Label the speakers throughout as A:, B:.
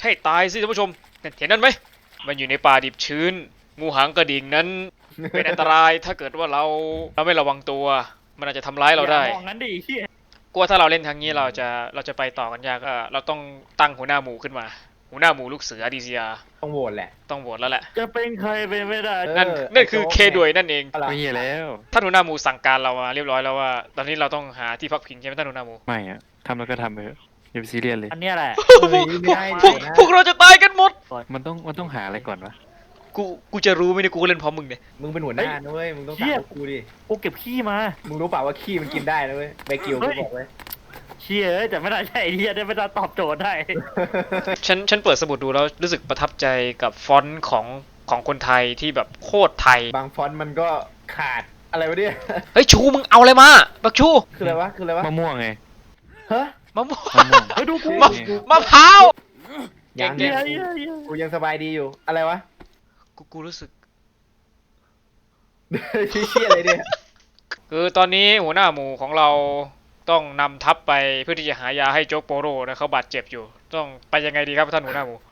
A: ให้ตายสิท่านผู้ชมเห็นนั่นไหมมันอยู่ในป่าดิบชื้นงูหางกระดิ่งนั้นเป็นอันตรายถ้าเกิดว่าเราไม่ระวังตัวมันอาจจะทำร้ายเราได้
B: มองงั้นดิเฮีย
A: กลัวถ้าเราเล่นทางนี้เราจะไปต่อกันยากเราต้องตั้งหัวหน้าหมู่ขึ้นมาหัวหน้าหมู่ลูกเสือดีซีอา
C: ต้องโหวตแหละ
A: ต้องโหวตแล้วแหละ
B: จะเป็นใครเป็นไม่ได้
A: นั่นคือเคด้วยนั่นเอง
C: อะไร
D: ไม่เหี้ยแล้ว
A: ท่านหัวหน้าหมู่สั่งการเรามาเรียบร้อยแล้วว่าตอนนี้เราต้องหาที่พักพิงใช่ไหมท่านหัวหน้าหมู่
D: ไม่อะทำแล้วก็ทำไปเถอะอย่าไปซีเรียสเลย
B: อันเนี้ยแหละ
A: พวกเราจะตายกันหมด
D: มันต้องหาอะไรก่อนวะ
A: กูจะรู้ไหมเนี่ยกูก็เล่นพร้อมมึงเนี่ย
C: มึงเป็นหัวหน้านะเว้ยมึงต้องถามกูดิ
B: กูเก็บขี้มา
C: มึงรู้เปล่าว่าขี้มันกินได้นะเว้ยเบกิวกูบอกไว้
B: เชี่ยแต่ไม่ได้ใช่ไอเดียได้ไม่ได้ตอบโจทย์ได้
A: ฉันเปิดสมุดดูแล้วรู้สึกประทับใจกับฟอนต์ของคนไทยที่แบบโคตรไทย
C: บางฟอนต์มันก็ขาดอะไรวะเนี่ย
A: เฮ้ยชูมึงเอาอะไรมาบักชู
C: คืออะไรวะคืออะไรวะ
D: มะม่วงไง
C: ฮะ
A: มะม่วง
D: มะม่วง
B: เฮ้ยดูกู
A: มะพร้าว
C: ยัง
A: เก่ง
C: กูยังสบายดีอยู่อะไรวะ
A: กูรู้สึก
C: เชี่ยอะไรเนี่ย
A: คือตอนนี้หัวหน้าหมู่ของเราต้องนำทัพไปเพื่อที่จะหายาให้โจ๊กโปโรนะเขาบาดเจ็บอยู่ต้องไปยังไงดีครับท่านหัวหน้าหมู่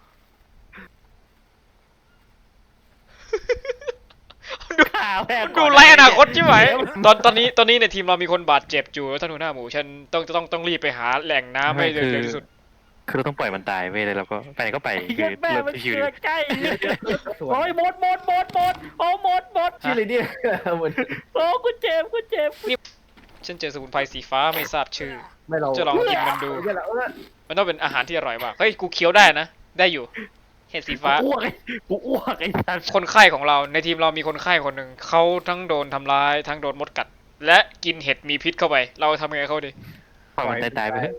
B: ข่าวแพง
A: ดูไรอนาคตใช่ไหมตอนนี้ในทีมเรามีคนบาดเจ็บอยู่ท่านหัวหน้าหมู่ฉันต้องรีบไปหาแหล่งน้ำให้เร็วที่สุด
D: คือเราต้องปล่อยมันตายไปเลยแล้วก็ไปไหนก็ไปคื
B: เหี้ย
D: อ
B: แม่
D: เรา
B: มัน
D: ชิว
B: เกิดใกล้
C: สวย
B: โอ้ยหมดโอ้หมด
C: ชื่ออะไรเนี่ยเหมือน
B: โอ้กูเจ็บ
A: ฉันเจอสมุนไพรสีฟ้าไม่ทราบชื่อ
C: ไม่เรา
A: จะลองกินมันดู
C: ไม่เรา
A: มันต้องเป็นอาหารที่อร่อยมากเฮ้ยกูเคี้ยวได้นะได้อยู่เห็ดสีฟ้า
B: กูอ้วกไอ้สัส
A: คนไข้ของเราในทีมเรามีคนไข้คนหนึ่งเขาทั้งโดนทำร้ายทั้งโดนมดกัด และกินเห็ดมีพิษเข้าไป เราทำไงเขาดี
D: ๆปล่อยมันตายไปเถอะ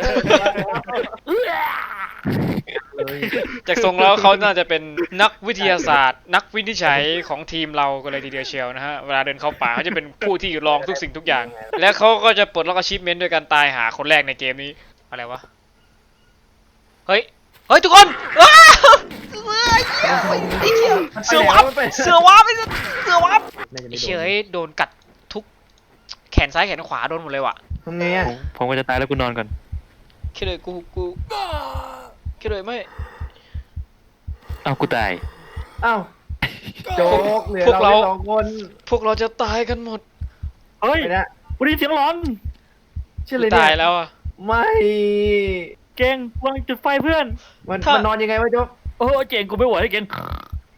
C: เลย
A: จากทรงแล้วเขาน่าจะเป็นนักวิทยาศาสตร์ นักวินิจฉัยของทีมเราก็เลยทีเดียวเชียวนะฮะเวลาเดินเข้าป่าเขาจะเป็นผู้ที่ลองทุกสิ่งทุกอย่าง และเขาก็จะปลดล็อกอาชีพเมนต์ด้วยการตายหาคนแรกในเกมนี้อะไรวะเฮ้ยทุกคนอ้าวเสือวับไอ้เสือวับเฉยโดนกัดทุกแขนซ้ายแขนขวาโดนหมดเลยว่ะ
C: ทำไงอ่ะ
D: ผมก็จะตายแล้วกูนอนก่อน
A: แค่เลยกูแค่เลยไม่
D: อ้าวกูตาย
C: อ้าวโจ๊กเหลือ
A: พวกเรา
C: เราสองคน
A: พวกเราจะตายกันหมด
B: เฮ้ย
C: ไปนะ
B: กูได้ยินเสียงร้อน
C: ชื่ออะไร
A: ตาย
C: เนี่ย
A: แล้วอ่ะ
C: ไม่
B: เก่งวางจุดไฟเพื่อน
C: มัน
A: ถ้า
C: นอนยังไงวะโจ๊ก
B: โอ้เก่งกูไม่ไหวเก่ง